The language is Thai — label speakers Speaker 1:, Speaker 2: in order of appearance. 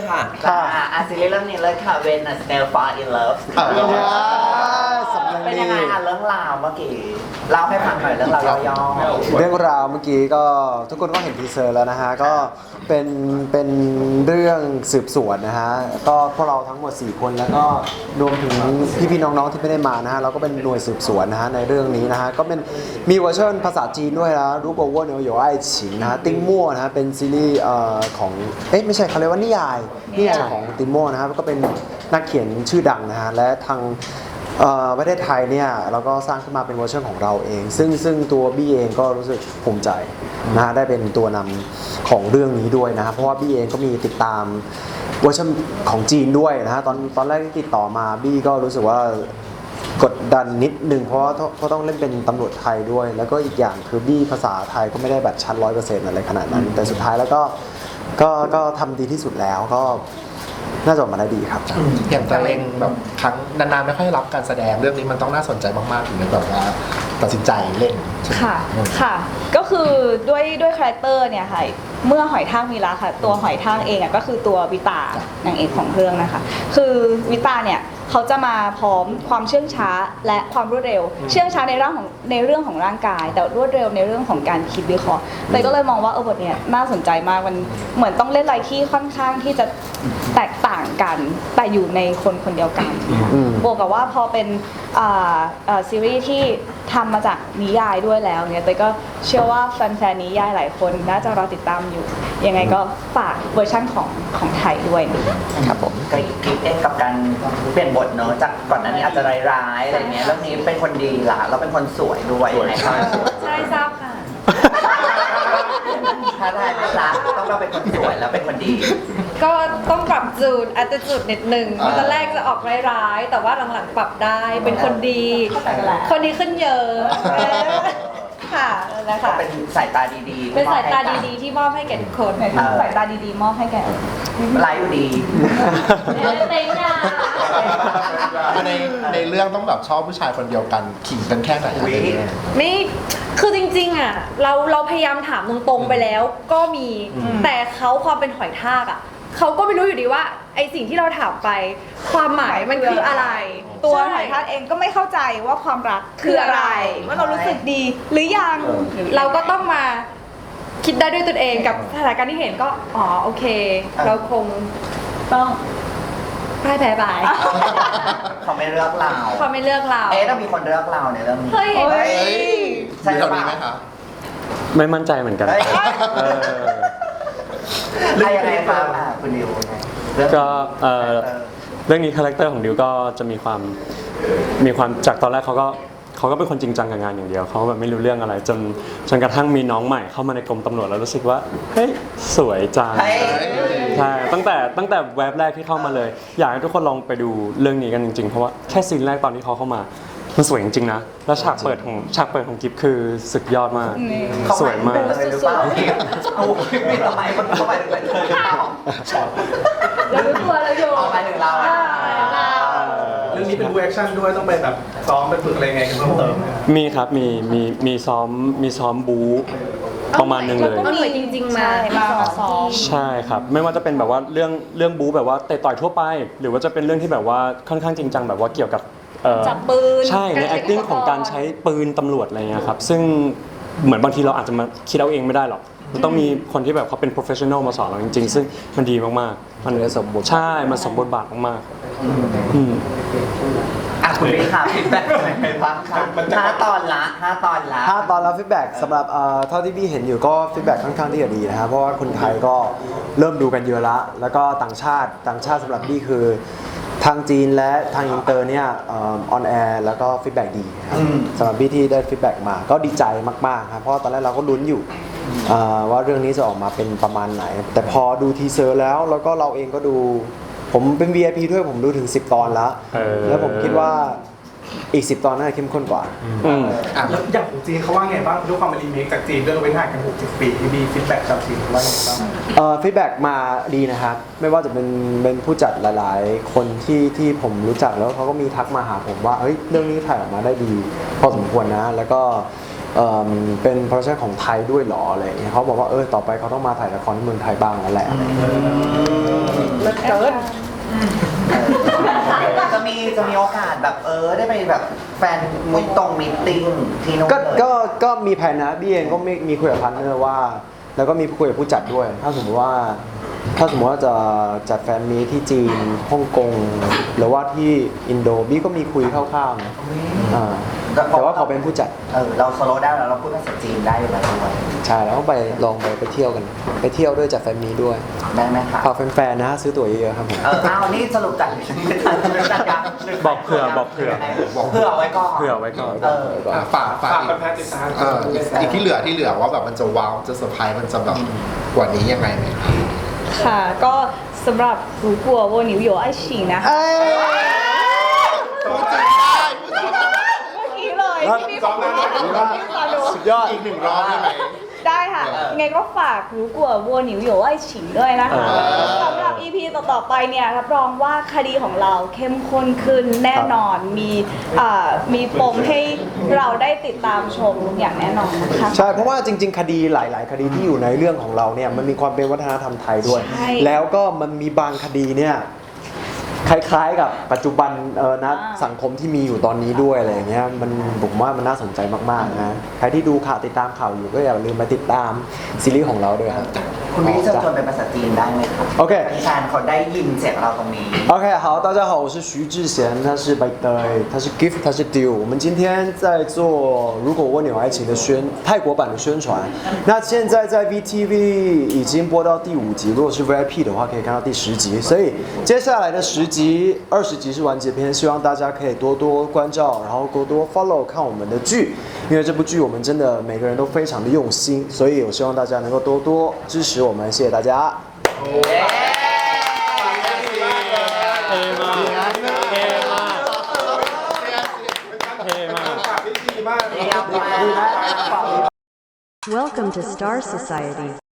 Speaker 1: ค่ะ
Speaker 2: ซีรีส์เรื่องนี้เลยค่ะ When a Snail Fall in Love เป็นยังไงเรื่องราวเมื่อกี้เล่าให้ฟังหน่อยเรื่องราวย่อๆ
Speaker 3: เรื่องราวเมื่อกี้ก็ทุกคนก็เห็นทีเซอร์แล้วนะฮะก็เป็นเรื่องสืบสวนนะฮะก็พวกเราทั้งหมด4คนแล้วก็รวมถึงพี่ๆน้องๆที่ไม่ได้มานะฮะเราก็เป็นหน่วยสืบสวนนะฮะในเรื่องนี้นะฮะก็เป็นมีเวอร์ชันภาษาจีนด้วยนะรูปโอเวอร์เนวโยไอฉิงนะฮะติ้งมั่วนะฮะเป็นซีรีส์ของไม่ใช่เขาเรียกว่านิยายของติงมั่วนะครับก็เป็นนักเขียนชื่อดังนะฮะและทางประเทศไทยเนี่ยเราก็สร้างขึ้นมาเป็นเวอร์ชันของเราเองซึ่งตัวบี้เองก็รู้สึกภูมิใจนะฮะได้เป็นตัวนำของเรื่องนี้ด้วยนะครับเพราะว่าบี้เองก็มีติดตามเวอร์ชันของจีนด้วยนะฮะตอนแรกที่ติดต่อมาบี้ก็รู้สึกว่ากดดันนิดนึงเพราะว่าเขาต้องเล่นเป็นตำรวจไทยด้วยแล้วก็อีกอย่างคือบี้ภาษาไทยก็ไม่ได้แบบชัด100%อะไรขนาดนั้นแต่สุดท้ายแล้วก็ทำดีที่สุดแล้วก็น่าจะออกมาได้ดีครับ
Speaker 4: อย่างตัวเองแบบครั้งนานๆไม่ค่อยรับการแสดงเรื่องนี้มันต้องน่าสนใจมากๆถึงจะแบบว่าตัดสินใจเล่น
Speaker 5: ค่ะก็คือด้วยคาแรคเตอร์เนี่ยค่ะเมื่อหอยทากมีรักค่ะตัวหอยทากเองก็คือตัววิตานางเอกของเรื่องนะคะคือวิตาเนี่ยเขาจะมาพร้อมความเชื่องช้าและความรวดเร็วเชื่องช้าในเรื่องของร่างกายแต่รวดเร็วในเรื่องของการคิดวิเคราะห์แต่ก็เลยมองว่าบทเนี่ยน่าสนใจมากมันเหมือนต้องเล่นอะไรที่ค่อนข้างที่จะแตกต่างกันแต่อยู่ในคนเดียวกันบวกกับว่าพอเป็นซีรีส์ที่ทำมาจากนิยายด้วยแล้วเนี่ยแต่ก็เชื่อว่าแฟนๆนิยายหลายคนน่าจะรอติดตามอยู่ยังไงก็ฝากเวอร์ชั่นของไทยด้วย
Speaker 3: ครับผม
Speaker 2: ก็คิดเองกับการเปลี่ยนบทเนอะจากก่อนหน้านี้อาจจะร้ายๆอะไรเงี้ยเรื่องนี้เป็นคนดีล่ะเราเป็นคนสวยด้วยใ
Speaker 5: ช่ทราบค่ะ
Speaker 2: ถ้าได้ไม่รักต้องเราเป็นคนสวยแล้วเป็นคนดี
Speaker 5: ก็ต้องปรับจูนattitudeนิดนึงตอนแรกจะออกร้ายๆแต่ว่าหลังๆปรับได้เป็นคนดีคนดีขึ้นเยอะค่ะแล้วค่ะ
Speaker 2: เป็นสายตาดีๆ
Speaker 5: เป็นสายตาดีๆที่มอบให้แก่ทุกคนสายตาดีๆมอบให้แก่
Speaker 2: ไลฟ์อยู่ดี
Speaker 5: เต็งอ่ะ
Speaker 4: ในเรื่องต้องแบบชอบผู้ชายคนเดียวกันขิงกันแค่ไหน
Speaker 5: ไม่คือจริงๆอ่ะเราพยายามถามตรงๆไปแล้วก็มีแต่เขาความเป็นหอยทากอ่ะเขาก็ไม่รู้อยู่ดีว่าไอสิ่งที่เราถามไปความหมายมันคืออะไรตัวหอยทากเองก็ไม่เข้าใจว่าความรักคืออะไรว่าเรารู้สึกดีหรือยังเราก็ต้องมาคิดได้ด้วยตนเองกับสถานการณ์ที่เห็นก็โอเคเราคงต้องพ่ายแพ้ไป
Speaker 2: เขาไม่เลือกเราต้องมีคนเลือกเราในเรื่องนี้
Speaker 5: เฮ้ย
Speaker 2: ใช่ไหม
Speaker 4: คะ
Speaker 6: ไม่มั่นใจเหมือนกัน
Speaker 2: ยังไงครับคุณดิว
Speaker 6: ก็เรื่องนี้คาแรคเตอร์ของดิวก็จะมีความจากตอนแรกเขาก็เป็นคนจริงจังกับงานอย่างเดียวเขาแบบไม่รู้เรื่องอะไรจนกระทั่งมีน้องใหม่เข้ามาในกรมตำรวจแล้วรู้สึกว่าเฮ้ยสวยจังใช่ตั้งแต่แวบแรกที่เข้ามาเลยอยากให้ทุกคนลองไปดูเรื่องนี้กันจริงๆเพราะว่าแค่ซีนแรกตอนที่เขาเข้ามามันสวยจริงๆนะแล้วฉากเปิดของกิฟคือสุดยอดมากสวยมาก
Speaker 2: ไม่ทำไมคนเข้าไปถึงเป็นเลย
Speaker 5: เรารู้ตัวเราอยู่
Speaker 2: ไปถึงเรา
Speaker 1: เรื่องนี้เป็นแอคชั่นด้วยต้องไปแบบซ้อมไปฝึกอะไรไงกันเพิ่มเติม
Speaker 6: มีครับมีซ้อมบู๊ประมาณนึงเลย
Speaker 5: ก็มีจริงๆมาซ้อม
Speaker 6: ใช่ครับไม่ว่าจะเป็นแบบว่าเรื่องบู๊แบบว่าเตะต่อยทั่วไปหรือว่าจะเป็นเรื่องที่แบบว่าค่อนข้างจริงจังแบบว่าเกี่ยวกับ
Speaker 5: จับปืน
Speaker 6: ใช่ใน acting ของการใช้ปืนตำรวจอะไรเงี้ยครับซึ่งเหมือนบางทีเราอาจจะมาคิดเอาเองไม่ได้หรอกมันต้องมีคนที่แบบเขาเป็น professional มาสอนเราจริงๆซึ่งมันดีมากๆมัน
Speaker 3: สมบูรณ์
Speaker 6: ใช่มันสมบูรณ์บาทมาก
Speaker 2: คุณพี่ค่ะฟีดแบ็กเป็นบ้างค่ะ5 ตอนละ
Speaker 3: ฟีดแบ็กสำหรับเท่าที่พี่เห็นอยู่ก็ฟีดแบ็กค่อนข้างที่จะดีนะครับเพราะว่าคนไทยก็เริ่มดูกันเยอะแล้วก็ต่างชาติสำหรับพี่คือทางจีนและทางอินเตอร์เนี่ยออนแอร์แล้วก็ฟีดแบ็กดีสำหรับพี่ที่ได้ฟีดแบ็กมาก็ดีใจมากๆครับเพราะตอนแรกเราก็ลุ้นอยู่ว่าเรื่องนี้จะออกมาเป็นประมาณไหนแต่พอดูทีเซอร์แล้วก็เราเองก็ดูผมเป็น VIP ด้วยผมดูถึง10 ตอนแล้วผมคิดว่าอีก10 ตอนน่าจะเข้มข้นกว่า
Speaker 1: แล้วอย่างของจีนเขาว่าไงบ้างด้วยความเป็นรีเมคจากจีนเรื่องเว้นห่างกัน60 ปีมีฟีดแบ็กจากจีนว่าไงบ้าง
Speaker 3: ฟีดแบ็กมาดีนะครับไม่ว่าจะเป็นผู้จัดหลายๆคนที่ผมรู้จักแล้วเขาก็มีทักมาหาผมว่าเฮ้ยเรื่องนี้ถ่ายออกมาได้ดีพอสมควรนะแล้วก็เป็นโปรเจกต์ของไทยด้วยเหรออะไรอย่างเงี้ยเขาบอกว่าต่อไปเขาต้องมาถ่ายละครที่เมืองไทยบ้างแล้วแหละอะไรอย่างเงี้ย
Speaker 2: จะมีโอกาสแบบได้ไปแบบแฟนมิตติ้งที่นู้นเลย
Speaker 3: ก็มีแผนนะบี้เองก็มีคุยกับพาร์ทเนอร์ว่า แล้วก็มีคุยกับผู้จัดด้วย ถ้าสมมติว่าจะจัดแฟนมีตที่จีนฮ่องกงหรือว่าที่อินโดบี้ก็มีคุยคร่าวๆนะแต่ว่าเขาเป็นผู้จัด
Speaker 2: เราโซโล่ได้แล้วเราพูดภาษาจีนได้อยู่แล้วด้วย
Speaker 3: ใช่แล้วก็ลองไปเที่ยวกันไปเที่ยวด้วยจัดแฟนมีตด้วย
Speaker 2: ได้ไหมคะ
Speaker 3: ฝากแฟนๆนะซื้อตั๋วเยอะๆครับผม
Speaker 2: นี่สรุปจัดยัง
Speaker 6: บอกเผื่อ
Speaker 2: เผื่อไว้ก่อน
Speaker 6: เผื่อไว้ก่อน
Speaker 4: ฝาก
Speaker 1: ฝาก
Speaker 4: อีก
Speaker 1: แฟนๆติดตาม
Speaker 4: อีกที่เหลือว่าแบบมันจะว้าวจะเซอร์ไพรส์มันจะแบบกว่านี้ยังไงไหมครับ
Speaker 5: ค่ะ ก็สำหรับ如果我你有爱情นะคะเมื่อกี้เลยที่พี่บอกว่า
Speaker 3: สุดยอด
Speaker 4: อีกหนึ่งรอบได้ไหม
Speaker 5: ได้ค่ะยังไงก็ฝาก如果我你有爱情ด้วยนะคะสำหรับ EP ต่อๆไปเนี่ยรับรองว่าคดีของเราเข้มข้นขึ้นแน่นอนมีปมให้เราได้ติดตามชมอย่างแน่นอนนะคะ
Speaker 3: ใช่เพราะว่าจริงๆคดีหลายๆคดีที่อยู่ในเรื่องของเราเนี่ยมันมีความเป็นวัฒนธรรมไทยด้วย
Speaker 5: ใช่
Speaker 3: แล้วก็มันมีบางคดีเนี่ยคล้ายๆกับปัจจุบันนะสังคมที่มีอยู่ตอนนี้ด้วยอะไรอย่างเงี้ยผมว่ามันน่าสนใจมากๆนะใครที่ดูข่าวติดตามข่าวอยู่ก็อย่าลืมมาติดตามซีรีส์ของเราด้วยครับ
Speaker 2: คุณพี่จะชวนเป็นภาษาจีนได้ไหมครับ
Speaker 3: โอเค
Speaker 2: แฟนเขาได้ยินเสียงเราตรงนี้
Speaker 3: OK，好，大家好，我是徐志贤，他是 By Day，他是 Gift，他是 Deal。我们今天在做《如果蜗牛爱情》的泰国版的宣传。那现在在 VTV 已经播到第5集，如果是 VIP 的话，可以看到第10集。所以接下来的10集、20集是完结篇，希望大家可以多多关照，然后多多 follow 看我们的剧，因为这部剧我们真的每个人都非常的用心，所以我希望大家能够多多支持我们，谢谢大家。
Speaker 6: เท่มากเท่มากเท่มาก
Speaker 1: ฝากพี่ดีมาก
Speaker 2: ดีมาก
Speaker 7: Welcome to Star Society.